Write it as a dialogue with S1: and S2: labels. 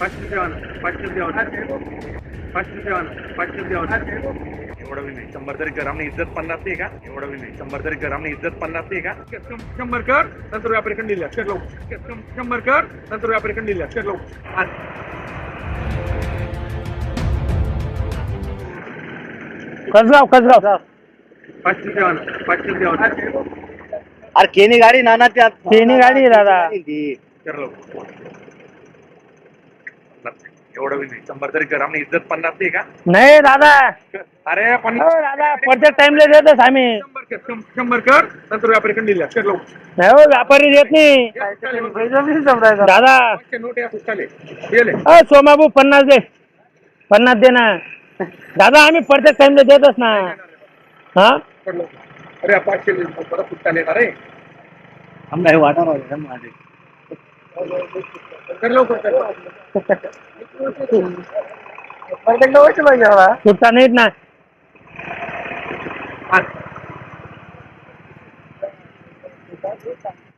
S1: पाचशे देवाना एवढं बी नाही. 100 तरी कर, आमने इज्जत 50 नाही का? एवढं बी नाही. 100 तरी कर, आमने इज्जत 50 नाही का? 100 कर नंतर व्यापारी कंडी दिल्या शेट लावू. 100 कर नंतर व्यापारी कंडी दिल्या शेट लावू.
S2: कसगाव
S1: 500 देवाना
S3: अरे केनी गाडी नाना त्यात
S2: केनी गाडी आहे दादा.
S1: कर लावू. एवढं बी नाही. 100 तरी कर, आमने इज्जत 50 नाही का?
S2: नाही दादा.
S1: अरे
S2: हो
S1: 50
S2: दादा प्रत्येक टाइमला देतच आम्ही.
S1: 100 कर नंतर व्यापारी कंडी दिल्या शेट लावू.
S2: नाही हो व्यापारी देत नाही दादा.
S1: नोट या पुस्तकाले गेले.
S2: सोमाबू 50 दे. 50 दे ना दादा. आम्ही प्रत्येक टाइमला देतच ना. हा
S1: अरे 500 परत पुस्तकाले येणार रे.
S3: आम्ही वाटा माझे
S1: कर लवकर
S2: सुट्टा नाहीत ना.